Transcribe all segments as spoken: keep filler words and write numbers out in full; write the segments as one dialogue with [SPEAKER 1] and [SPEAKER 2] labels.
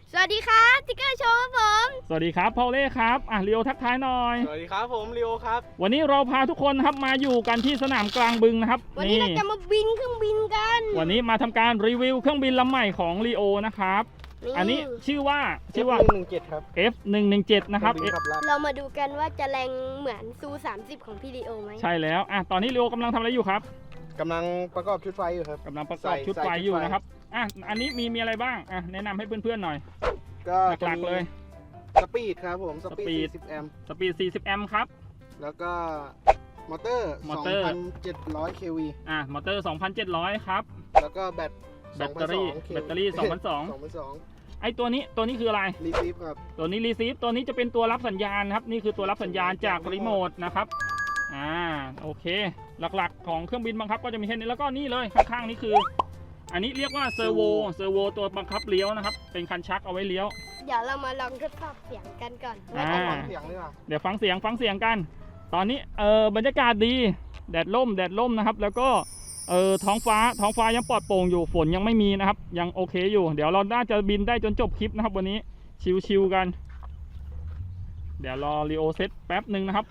[SPEAKER 1] สวัสดีครับติ๊กเกอร์โชว์ครับผม
[SPEAKER 2] สวัสดีครับพอลเล่ครับอ่ะลีโอทักทายหน่อย
[SPEAKER 3] สวัสดีครับผมลีโอครับ
[SPEAKER 2] วันนี้เราพาทุกคนนะครับมาอยู่กันที่สนามกลางบึงนะครับ
[SPEAKER 1] วันนี้เราจะมาบินเครื่องบินกัน
[SPEAKER 2] วันนี้มาทำการรีวิวเครื่องบินลำใหม่ของลีโอนะครับอันนี้ชื่อว่าชื่อว่า
[SPEAKER 3] เอฟ หนึ่งหนึ่งเจ็ด ครับ
[SPEAKER 2] เอฟ หนึ่งหนึ่งเจ็ด นะครับ
[SPEAKER 1] เรามาดูกันว่าจะแรงเหมือนซูสามสิบของพี่ลีโอไหม
[SPEAKER 2] ใช่แล้วอ่ะตอนนี้ลีโอกำลังทำอะไรอยู่ครับ
[SPEAKER 3] กำลังประกอบชุดไฟอยู่ครับ
[SPEAKER 2] กำลังประกอบชุดไฟอยู่นะครับอ่ะอันนี้มีมีอะไรบ้างอ่ะแนะนำให้เพื่อนๆหน่อย
[SPEAKER 3] ก็
[SPEAKER 2] หลักๆเลย
[SPEAKER 3] สปีดครับผมสปีดสี่สิบแอมป์
[SPEAKER 2] สปีดสี่สิบแอมป์ครับ
[SPEAKER 3] แล้วก็มอเตอร์
[SPEAKER 2] มอเตอร์
[SPEAKER 3] สองพันเจ็ดร้อย เค วี
[SPEAKER 2] อ่ะมอเตอร์ สองพันเจ็ดร้อย ครับ
[SPEAKER 3] แล้วก็แบต
[SPEAKER 2] แบตเตอรี่แบตเตอรี่สองพันสองร้อย ไอตัวนี้ตัวนี้คืออะไร
[SPEAKER 3] รีซีฟครับ
[SPEAKER 2] ตัวนี้รีซีฟตัวนี้จะเป็นตัวรับสัญญาณครับนี่คือตัวรับสัญญาณจากรีโมทนะครับอ่าโอเคหลักๆของเครื่องบินบังคับก็จะมีแค่นี้แล้วก็นี่เลยข้างๆนี่คืออันนี้เรียกว่าเซอร์โวเซอร์โวตัวบังคับเลี้ยวนะครับเป็นคันชักเอาไว้เลี้ยว
[SPEAKER 1] เดี๋ยวเรามาลองทดสอบเสียงกันก่อน
[SPEAKER 3] อ่าฟังเสียงดีกว่า
[SPEAKER 2] เดี๋ยวฟังเสียงฟังเสียงกันตอนนี้เออบรรยากาศดีแดดร่มแดดร่มนะครับแล้วก็เออท้องฟ้าท้องฟ้ายังปลอดโปร่งอยู่ฝนยังไม่มีนะครับยังโอเคอยู่เดี๋ยวเราน่าจะบินได้จนจบคลิปนะครับวันนี้ชิวๆกันเดี๋ยวรอรีโอเซตแป๊บหนึ่งนะครับ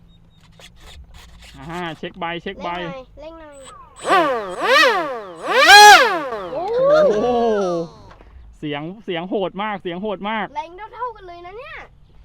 [SPEAKER 2] อ่าเช็คใบเช็คใบ
[SPEAKER 1] เร่งหน่อย
[SPEAKER 2] โอ้เสียงเสียงโหดมากเสียงโหดมาก
[SPEAKER 1] แรงเท่าๆกันเลยนะเนี่ย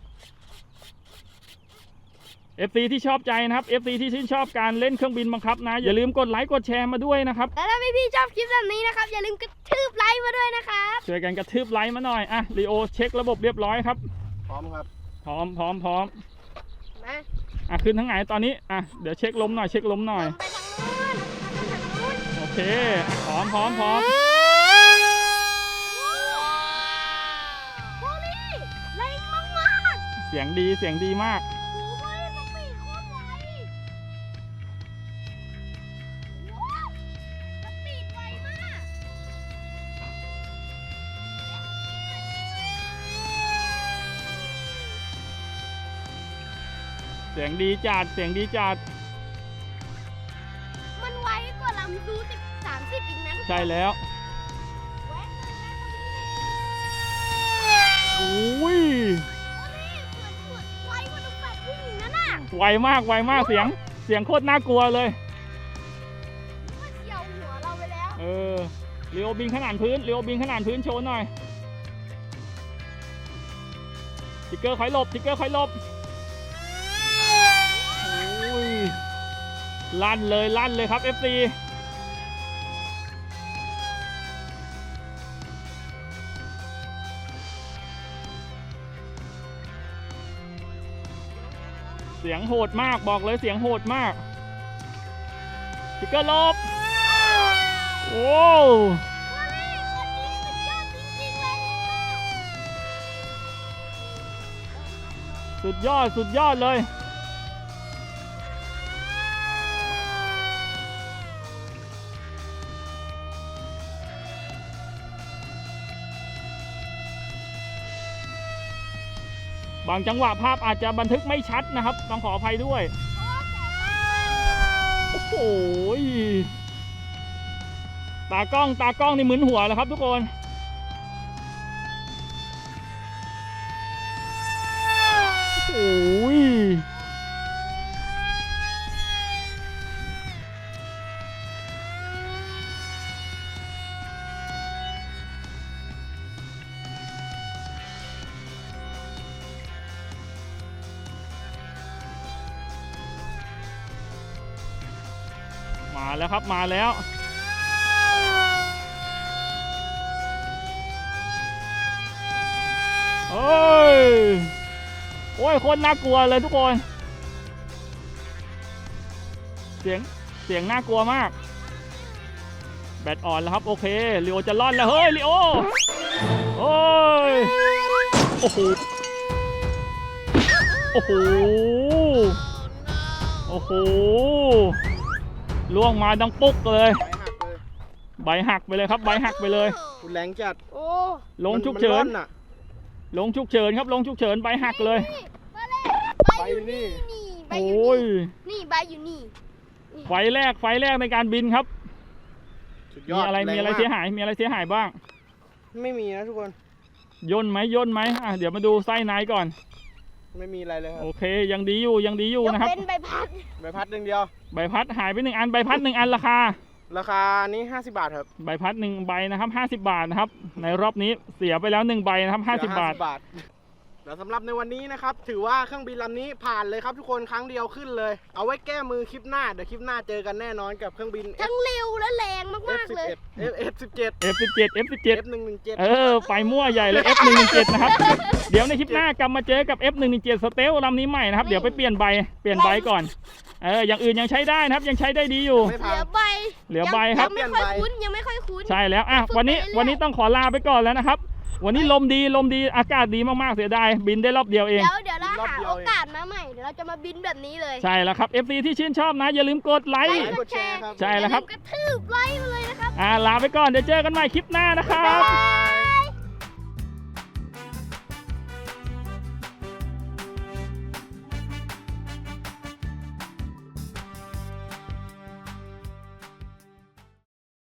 [SPEAKER 2] เอฟ ซี ที่ชอบใจนะครับ เอฟ ซี ที่ชื่นชอบการเล่นเครื่องบินบังคับนะอย่าลืมกดไลค์กดแชร์มาด้วยนะครับ
[SPEAKER 1] และถ้าพี่ๆชอบคลิปแบบนี้นะครับอย่าลืมกระทืบไลค์มาด้วยนะครับ
[SPEAKER 2] ช่วยกันกระทืบไลค์มาหน่อยอ่ะลีโอเช็คระบบเรียบร้อยครับ
[SPEAKER 3] พร้อมครับ
[SPEAKER 2] พร้อมพร้อมพร้อม
[SPEAKER 1] มา
[SPEAKER 2] อ่ะขึ้นทั้งไหนตอนนี้อ่ะเดี๋ยวเช็คลมหน่อยเช็คลมหน่อย
[SPEAKER 1] ไปทางนู้นไปทางนู้น
[SPEAKER 2] โอเคพร้อมพร้อมพร้อม
[SPEAKER 1] โอ้นี่แรงมากๆ
[SPEAKER 2] เสียงดีเสียงดีมากเสียงดีจัดเสียงดีจัด
[SPEAKER 1] มันไวกว่าลำซูสิบสามสิบอีกนะ
[SPEAKER 2] ใช่แล้วอุ้ย
[SPEAKER 1] ไวกว่าลูกแปดวิ่งอีกนั่นน่ะ
[SPEAKER 2] ไวมากไวมากเสียงเสียงโคตรน่ากลัวเลย
[SPEAKER 1] มันเฉียวหัวเราไปแล้ว
[SPEAKER 2] เออเรียวบินขนาดพื้นเรียวบินขนาดพื้นโชว์หน่อยติ๊กเกอร์คอยหลบติ๊กเกอร์คอยหลบลั่นเลยลั่นเลยครับ เอฟ ซี เสียงโหดมากบอกเลยเสียงโหดมากติ๊กเกอร์ลบโอ้สุดยอดสุดยอดเลยบางจังหวะภาพอาจจะบันทึกไม่ชัดนะครับต้องขออภัยด้วยโอ้โหตากล้องตากล้องนี่มึนหัวแล้วครับทุกคนโอ้ยมาแล้วครับมาแล้วโอ้ยโอ้ยคนน่ากลัวเลยทุกคนเสียงเสียงน่ากลัวมากแบตอ่อนแล้วครับโอเคลีโอจะล่อนแล้วเฮ้ยลีโอโอ้ยโอ้โหโอ้โหโอ้โหล่วงมาดังปุ๊กเลยใบหักไปเลยครับใบหักไปเลย
[SPEAKER 3] แรงจัด
[SPEAKER 1] โอ้
[SPEAKER 2] ลงฉุกเฉินลงฉุกเฉินครับลงฉุกเฉินใบหักเลย
[SPEAKER 3] ใบนี่
[SPEAKER 2] โอ้ย
[SPEAKER 1] นี่ใบอยู่นี่
[SPEAKER 2] ไฟแรกไฟแรกในการบินครับมีอะไรมีอะไรเสียหายมีอะไรเสียหายบ้าง
[SPEAKER 3] ไม่มีนะทุกคน
[SPEAKER 2] ย่นไหมย่นไหมอ่ะเดี๋ยวมาดูไส้ในก่อน
[SPEAKER 3] ไม่มีอะไรเลยครั
[SPEAKER 2] โอบ เคยังดีอยู่ยังดีอยู่
[SPEAKER 1] ยก
[SPEAKER 2] นะครับ
[SPEAKER 1] เป็นใบพัด
[SPEAKER 3] ใบพัดหนึ่งเดียว
[SPEAKER 2] ใบพัดหายไปหนึ่งอันใบพัดหนึ่งอันราคา
[SPEAKER 3] ราคานี้ห้าสิบบาทครับ
[SPEAKER 2] ใบพัดหนึ่งใบนะครับห้าสิบบาทนะครับในรอบนี้เสียไปแล้วหนึ่งใบนะครับห้าสิบบาท
[SPEAKER 3] เหลือห้าสิบบาทแล้วสำหรับในวันนี้นะครับถือว่าเครื่องบินลำนี้ผ่านเลยครับทุกคนครั้งเดียวขึ้นเลย เอาไว้แก้มือคลิปหน้าเดี๋ยวคลิปหน้าเจอกันแน่นอนกับเครื่องบิน
[SPEAKER 1] ทั้งเร็วและแรงมากๆเลย
[SPEAKER 3] เอฟ เอฟ สิบเจ็ด
[SPEAKER 2] เอฟ สิบเจ็ด เอฟ สิบเจ็ด
[SPEAKER 3] เอฟ หนึ่งหนึ่งเจ็ด
[SPEAKER 2] เออไปมั่วใหญ่เลย เอฟ หนึ่งหนึ่งเจ็ด นะครับ เดี๋ยวในคลิปหน้ากลับมาเจอกับ เอฟ หนึ่งหนึ่งเจ็ด สเตลลำนี้ใหม่นะครับ เดี๋ยวไปเปลี่ยนใบ เปลี่ยนใบก่อน เออ อย่างอื่นยังใช้ได้นะครับ ยังใช้ได้ดีอยู่
[SPEAKER 3] ไม่
[SPEAKER 1] เห
[SPEAKER 3] พั
[SPEAKER 1] ลื
[SPEAKER 3] ง
[SPEAKER 1] อใบ
[SPEAKER 2] เหลือใบครับ
[SPEAKER 1] ยังไม่ค่อยคุ้นยังไม่ค่อยคุ้น
[SPEAKER 2] ใช่แล้ว อ่ะ วันนี้ วันนี้ต้องขอลาไปก่อนแล้วนะครับ วันนี้ลมดี ลมดี อากาศดีมากๆ เสียดาย บินได้รอบเดียวเอง
[SPEAKER 1] เดี๋ยวเดี๋ยวเราหาโอกาสมาใหม่ เดี๋ยวเราจะมาบินแบบนี้เลย
[SPEAKER 2] ใช่แล้วครับ เอฟ ซี ที่ชื่นชอบนะ อย่าลืมกดไล
[SPEAKER 1] ไล
[SPEAKER 2] ค์
[SPEAKER 1] ค์กดแชร์
[SPEAKER 3] ครับ
[SPEAKER 2] ใช่แล้วครับ
[SPEAKER 1] อย่าลืมกระทืบไลค์มาเลยนะครับ
[SPEAKER 2] อ่า ลาไปก่อน เดี๋ยวเจอกันใหม่คลิปหน้านะครับ
[SPEAKER 3] บ๊ายบาย